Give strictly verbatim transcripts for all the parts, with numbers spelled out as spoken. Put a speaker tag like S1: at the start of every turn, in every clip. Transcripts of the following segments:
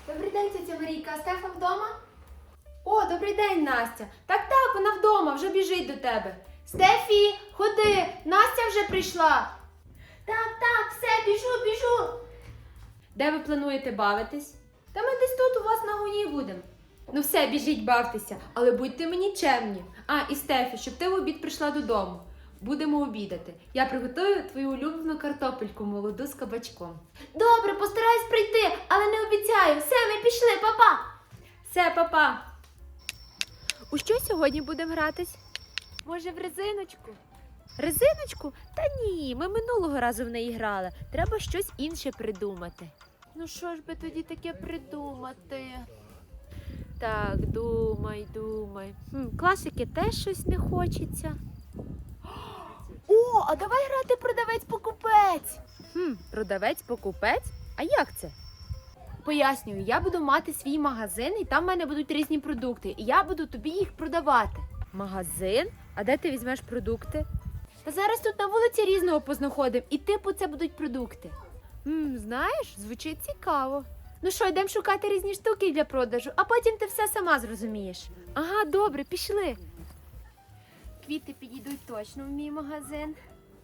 S1: Добрий день, тетя Марійка, а Стефа вдома? О, добрий день, Настя. Так-так, вона вдома, вже біжить до тебе. Стефі, ходи, Настя вже прийшла. Так, так, все, біжу, біжу. Де ви плануєте бавитись? Та ми десь тут у вас на гоні будемо. Ну все, біжіть, бавтеся, але будьте мені чемні. А, і Стефі, щоб ти в обід прийшла додому. Будемо обідати. Я приготую твою улюблену картопельку молоду з кабачком. Добре, постараюсь прийти, але не обіцяю. Все, ми пішли, папа. Все, папа. У що сьогодні будемо гратись? Може, в резиночку? Резиночку? Та ні, ми минулого разу в неї грали. Треба щось інше придумати. Ну що ж би тоді таке придумати? Так, думай, думай. Хм, класики теж щось не хочеться. О, а давай грати продавець-покупець. Хм, продавець-покупець? А як це? Пояснюю, я буду мати свій магазин, і там в мене будуть різні продукти, і я буду тобі їх продавати. Магазин? А де ти візьмеш продукти? Та зараз тут на вулиці різного познаходимо, і типу це будуть продукти. Хм, знаєш, звучить цікаво. Ну що, йдемо шукати різні штуки для продажу, а потім ти все сама зрозумієш. Ага, добре, пішли. Квіти підійдуть точно в мій магазин.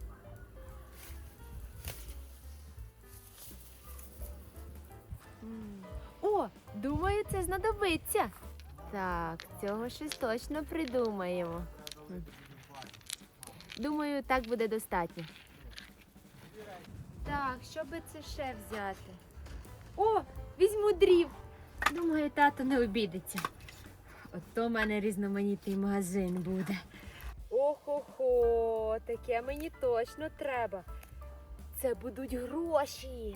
S1: О, думаю, це знадобиться. Так, цього щось точно придумаємо. Думаю, так буде достатньо. Так, що би це ще взяти? О, візьму дрів. Думаю, тато не обідеться. Ото в мене різноманітний магазин буде. Охо-хо, таке мені точно треба. Це будуть гроші.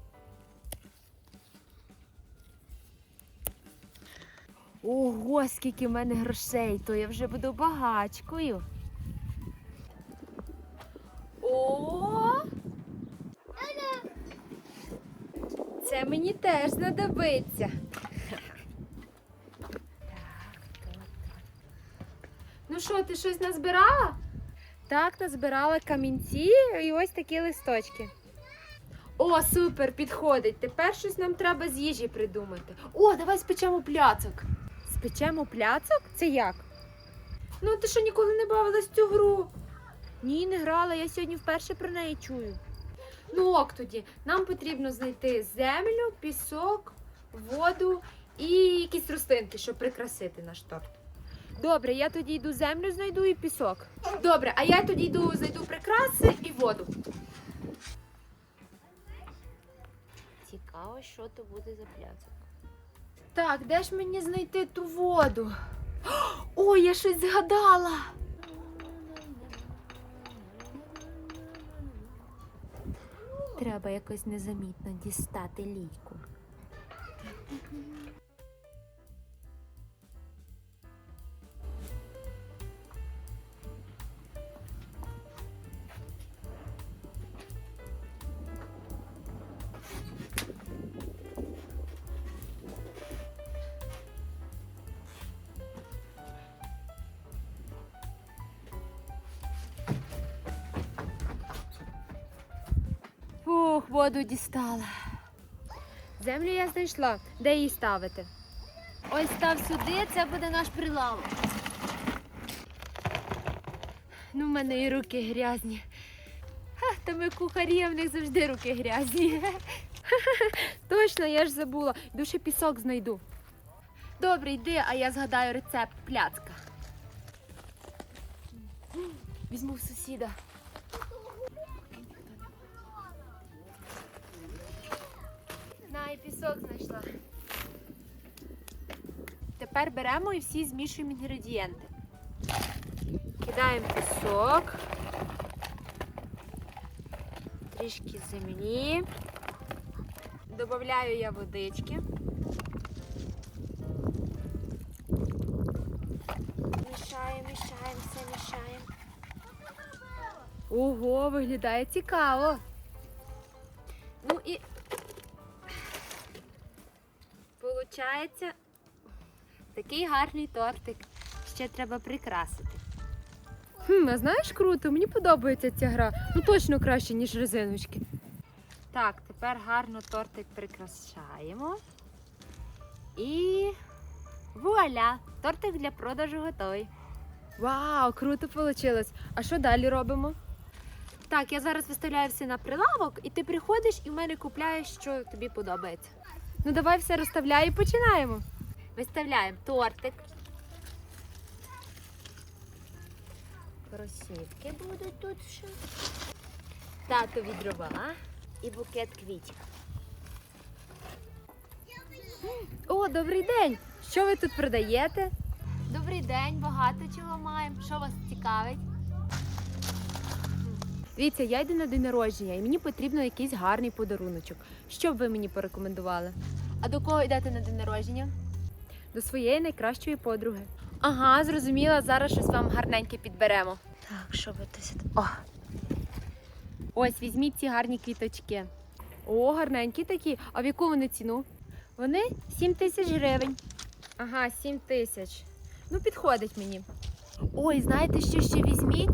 S1: Ого, скільки в мене грошей, то я вже буду багачкою. О! Це мені теж знадобиться. Ну що, ти щось назбирала? Так, назбирала камінці і ось такі листочки. О, супер, підходить. Тепер щось нам треба з їжі придумати. О, давай спечемо пляцок. Спечемо пляцок? Це як? Ну, ти що, ніколи не бавилась в цю гру? Ні, не грала, я сьогодні вперше про неї чую. Ну ок тоді, нам потрібно знайти землю, пісок, воду і якісь рослинки, щоб прикрасити наш торт. Добре, я тоді йду землю знайду і пісок. Добре, а я тоді йду знайду прикраси і воду. Цікаво, що то буде за пляцок. Так, де ж мені знайти ту воду? Ой, я щось згадала. Треба якось незамітно дістати лійку. Фух, воду дістала. Землю я знайшла. Де її ставити? Ось став сюди, це буде наш прилавок. Ну, в мене і руки грязні. Ха, та ми кухарі, а в них завжди руки грязні. Точно, я ж забула. Йду ще пісок знайду. Добре, йди, а я згадаю рецепт пляцка. Візьму в сусіда. На, і пісок знайшла. Тепер беремо і всі змішуємо інгредієнти. Кидаємо пісок, трішки землі, додаю я водички. Мішаємо, мішаємо, все мішаємо. Ого, виглядає цікаво. Ну і получається такий гарний тортик. Ще треба прикрасити. Хм, а знаєш, круто, мені подобається ця гра. Ну точно краще, ніж резиночки. Так, тепер гарно тортик прикрашаємо. І вуаля! Тортик для продажу готовий. Вау, круто вийшло. А що далі робимо? Так, я зараз виставляю все на прилавок, і ти приходиш і в мене купляєш, що тобі подобається. Ну давай все розставляй і починаємо. Виставляємо тортик. Кросівки будуть тут ще. Татові дрова і букет квітів. О, добрий день! Що ви тут продаєте? Добрий день, багато чого маємо. Що вас цікавить? Дивіться, я йду на день народження і мені потрібно якийсь гарний подаруночок. Що б ви мені порекомендували? А до кого йдете на день народження? До своєї найкращої подруги. Ага, зрозуміла, зараз щось вам гарненьке підберемо. Так, що ви тут? О! Ось, візьміть ці гарні квіточки. О, гарненькі такі. А в яку вони ціну? Вони сім тисяч гривень. Ага, сім тисяч. Ну, підходить мені. Ой, знаєте, що ще візьміть?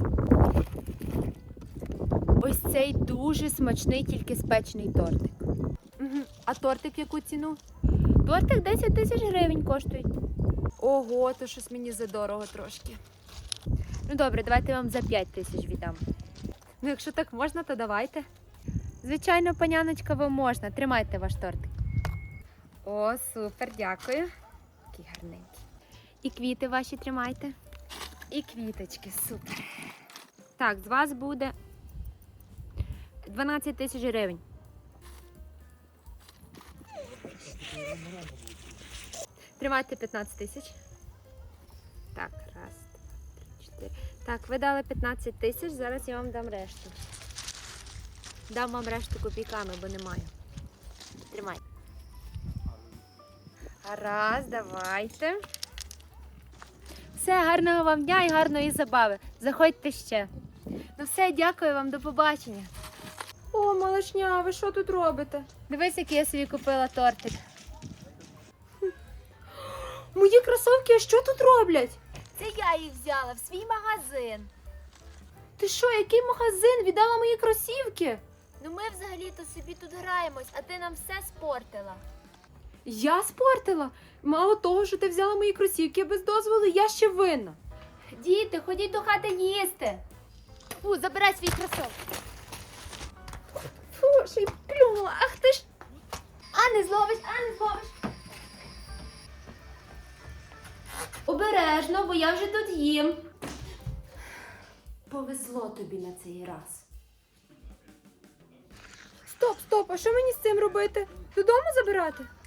S1: Ось цей дуже смачний, тільки спечений тортик. Угу. А тортик в яку ціну? Тортик десять тисяч гривень коштує. Ого, то щось мені задорого трошки. Ну добре, давайте я вам за п'ять тисяч віддам. Ну, якщо так можна, то давайте. Звичайно, паняночка, вам можна. Тримайте ваш тортик. О, супер, дякую. Такий гарненький. І квіти ваші тримайте. І квіточки, супер. Так, з вас буде дванадцять тисяч гривень. Тримайте п'ятнадцять тисяч. Так, раз, два, три, чотири. Так, ви дали п'ятнадцять тисяч, зараз я вам дам решту. Дам вам решту копійками, бо немає. Тримай. Раз, давайте. Все, гарного вам дня і гарної забави. Заходьте ще. Ну все, дякую вам, до побачення. О, малышня, ви що тут робите? Дивись, який я собі купила тортик. Мої кросовки, а що тут роблять?
S2: Це я їх взяла в свій магазин.
S1: Ти що, який магазин? Віддала мої кросівки?
S2: Ну ми взагалі-то собі тут граємось, а ти нам все спортила.
S1: Я спортила? Мало того, що ти взяла мої кросівки без дозволу, я ще винна.
S2: Діти, ходіть до хати їсти. Фу, забирай свій кросовки.
S1: Фу, ще й плюнула, ах ти ж.
S2: А не зловиш, а не зловиш.
S1: Обережно, бо я вже тут їм. Повезло тобі на цей раз. Стоп, стоп, а що мені з цим робити? Додому забирати?